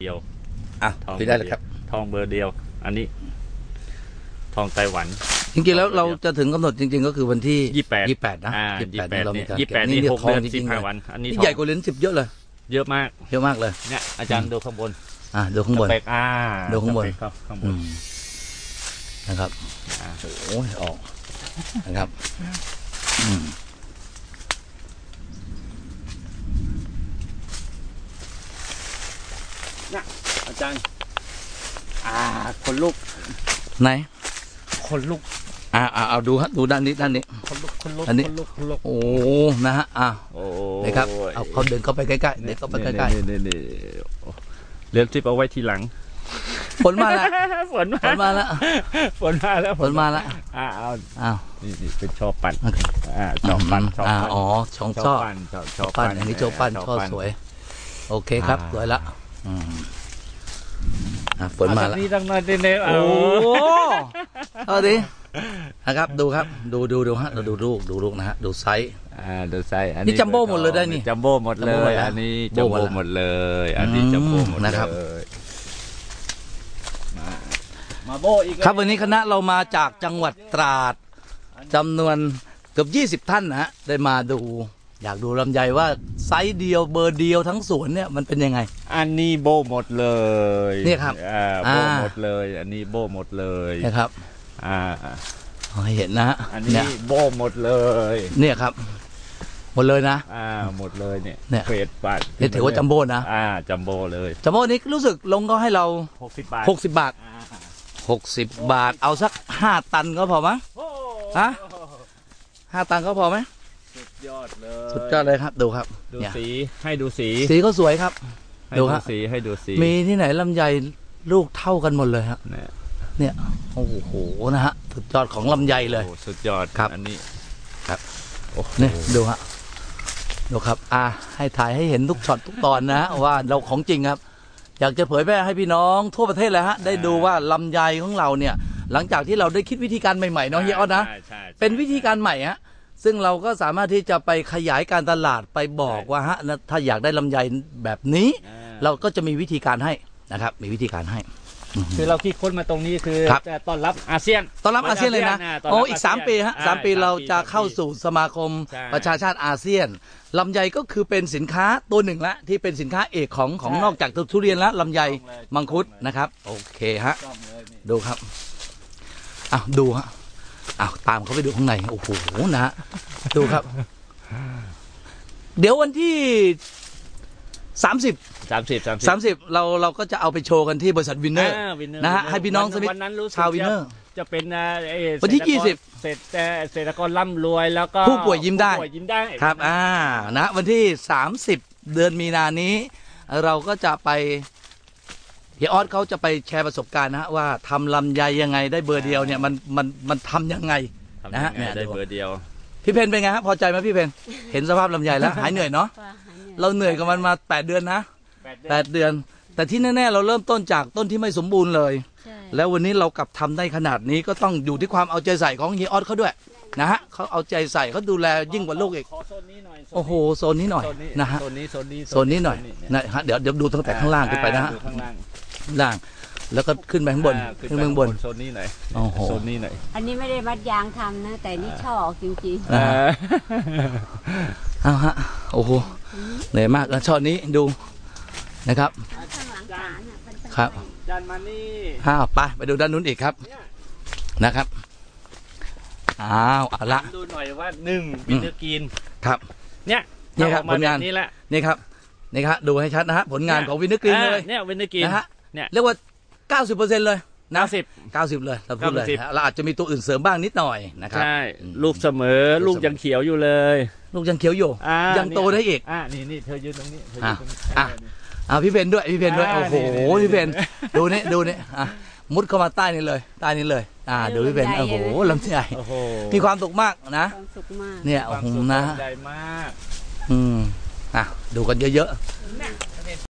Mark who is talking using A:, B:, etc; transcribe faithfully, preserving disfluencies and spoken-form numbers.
A: เดียว
B: อ่ะพี่ได้เลยครับ
A: ทองเบอร์เดียวอันนี้ทองไต้หวัน
B: จริงๆแล้วเราจะถึงกำหนดจริงๆก็คือวันที่
A: ยี่สิบแปด
B: ยี่สิบแปดนะ
A: ยี่สิบแปดเรามีการยี่สิบแปดนี่หกเดือนสิบห้าวันอันนี้
B: ใหญ่กว่าเหรียญสิบเยอะเลย
A: เยอะมาก
B: เยอะมากเลย
A: เนี่ยอาจารย์ดูข้างบน
B: อ่ะดูข้างบน
A: อ่า
B: ดูข้างบน
A: ข้างบน
B: นะครับโอ้ยออกนะครับ
A: เนี่ยอาจารย์อ่าคนลุก
B: ไหน
A: คนลุก
B: อ่าเอาดูฮะดูด้านนี้ด้านนี้
A: คนลุกคนลุก
B: อันนี้โอ้นะฮะอ่านะครับเอาเขาเดินเข้าไปใกล้ๆเดินเข้าไปใกล้ๆ
A: นี่นี่เรียนทิปเอาไว้ทีหลัง
B: ฝนมาแล้ว
A: ฝนมาแล้วฝนมาแล้ว
B: ฝนมาแล้ว
A: อ้าว
B: อ้าว
A: นี่นี่เป็นชอบปั่นอ่าชอบปั่นชอบปั่น
B: อ๋อช่องช่อปั่น
A: ชอบ
B: ปั่นอันนี้ชอบปั่นช่อสวยโอเคครับสวยละอืมอ่าฝนมาแล้ว
A: นี่ตั้งน้อยเดียว
B: โอ้เอาดินะครับดูครับดูดูดูฮะเราดูลูกดูลูกนะฮะดูไซส์
A: อ่าดูไซส์อัน
B: นี้จัมโบ้หมดเลยได้นี่
A: จัมโบ้หมดเลยอันนี้จัมโบ้หมดเลยอันนี้จัมโบ้หมด
B: นะครับ
A: มาโบอีก
B: ครับวันนี้คณะเรามาจากจังหวัดตราดจำนวนเกือบยี่สิบท่านนะฮะได้มาดูอยากดูลำไยว่าไซส์เดียวเบอร์เดียวทั้งสวนเนี่ยมันเป็นยังไง
A: อันนี้โบหมดเลย
B: นี่ครับ
A: อ่าโบหมดเลยอันนี้โบหมดเลย
B: นะครับ
A: อ่า
B: ให้เห็นนะฮะ
A: อันนี้โบหมดเลย
B: เนี่ยครับหมดเลยนะ
A: อ่าหมดเลยเนี่ย
B: เนี่ย
A: เฟสปัด
B: นี่ถือว่าจัมโบ้นะ
A: อ่าจัมโบ้เลย
B: จัมโบ้นี้รู้สึกลงก็ให้เรา
A: หกสิบบาท
B: หกสิบบาทหกสิบบาทเอาสักห้าตันก็พอมั้งฮะห้าตันก็พอไหม
A: สุดยอดเลย
B: สุดยอดเลยครับดูครับ
A: ดูสีให้ดูสี
B: สีก็สวยครับ
A: ดูครับสีให้ดูสี
B: มีที่ไหนลำไยลูกเท่ากันหมดเลยครับเนี่ยโอ้โหนะฮะสุดยอดของลำไยเลย
A: สุดยอด
B: ครับ
A: อันนี้
B: ครับเนี่ยดูฮะดูครับอ่าให้ถ่ายให้เห็นทุกช็อตทุกตอนนะว่าเราของจริงครับอยากจะเผยแพร่ให้พี่น้องทั่วประเทศเลยฮะได้ดูว่าลำไยของเราเนี่ยหลังจากที่เราได้คิดวิธีการใหม่ๆเนาะเฮียอ้อนะเป็นวิธีการใหม่ฮะซึ่งเราก็สามารถที่จะไปขยายการตลาดไปบอกว่าฮะถ้าอยากได้ลำไยแบบนี้เราก็จะมีวิธีการให้นะครับมีวิธีการให้
A: คือเราคิดค้นมาตรงนี้คือจะต้อนรับอาเซียน
B: ต้อนรับอาเซียนเลยนะโอ้อีกสามปีฮะสามปีเราจะเข้าสู่สมาคมประชาชาติอาเซียนลำไยก็คือเป็นสินค้าตัวหนึ่งละที่เป็นสินค้าเอกของของนอกจากทุเรียนแล้วลำไยมังคุดนะครับโอเคฮะดูครับอ้าวดูฮะอ้าวตามเขาไปดูข้างในโอ้โหนะฮะดูครับเดี๋ยววันที่สามสิบ
A: สามสิบ
B: สามสิบเราเราก็จะเอาไปโชว์กันที่บริษัทวินเนอร์นะฮะให้พี่น้องสมิธชาววินเนอร์
A: จะเป็น
B: วันที่ยี่สิบ
A: เศรษฐเศรษฐกรร่ำรวยแล้วก็
B: ผู้ป่วยยิ้มได้
A: ยิ้มได้
B: ครับอ่านะวันที่สามสิบเดือนมีนานี้เราก็จะไปเฮียออสเขาจะไปแชร์ประสบการณ์นะฮะว่าทำลำไยยังไงได้เบอร์เดียวเนี่ยมันมันมันทำยังไงนะฮะ
A: ได้เบอร์เดียว
B: พี่เพนเป็นไงฮะพอใจไหมพี่เพนเห็นสภาพลำไยแล้วหายเหนื่อยเนาะเราเหนื่อยกับมันมาแปดเดือนนะแปดเดือนแต่ที่แน่ๆเราเริ่มต้นจากต้นที่ไม่สมบูรณ์เลยแล้ววันนี้เรากลับทำได้ขนาดนี้ก็ต้องอยู่ที่ความเอาใจใส่ของเฮียออสเขาด้วยนะฮะเขาเอาใจใส่เขาดูแลยิ่งกว่าลูกอีกโอ้โหโซนนี้หน่อยนะฮะ
A: โซนนี้โซนนี้
B: โซนนี้หน่อยนะฮะเดี๋ยวเดี๋ยวดูตั้งแต่ข้างล่างขึ้นไปนะฮะล่างแล้วก็ขึ้นไปข้างบนขึ้นไปข้างบน
A: โซนนี้หน่อย
B: โอ้โห
A: โซนนี้หน่อย
C: อันนี้ไม่ได้มัดยางทำนะแต่นี่ช่อออกจริงๆ
B: เอาฮะโอ้โหเหนื่อยมากแล้วช่อนี้ดูนะครับครับ
A: ดันมานี่
B: อ้าวไปไปดูด้านนู้นอีกครับนะครับอ้าวเอาละ
A: ดูหน่อยว่าหนึ่งวินเทอร์กรีน
B: ครับ
A: เนี่ย
B: นี่ครับผลงาน
A: นี่แหละ
B: นี่ครับนี่ครับดูให้ชัดนะฮะผลงานของวินเทอร์กรีนเลย
A: เนี่ยวินเทอร์กรีน
B: นะฮะเนี่ยเรียกว่าเก้าสิบเปอร์เซ็นต์เลยนะ
A: เก้าสิบ
B: เก้าสิบเลยเราพูดเลยเราอาจจะมีตัวอื่นเสริมบ้างนิดหน่อยนะครับ
A: ใช่ลูกเสมอลูกยังเขียวอยู่เลย
B: ลูกยังเขียวอยู่ยังโตได้อีก
A: อ่านี่นี่เธอยืนตรงนี้
B: อ่าอ่าอ่าพี่เพนด้วยพี่เพนด้วยโอ้โหพี่เพนดูนี่ดูนี่อ่ะมุดเข้ามาใต้นี่เลยใต้นี่เลยอ่าดูพี่เพนโอ้โหลำไยมีความสุขมากนะเนี่ยโอ้โหนะ
A: ใหญ่มาก
B: อืมอ่ะดูกันเยอะๆ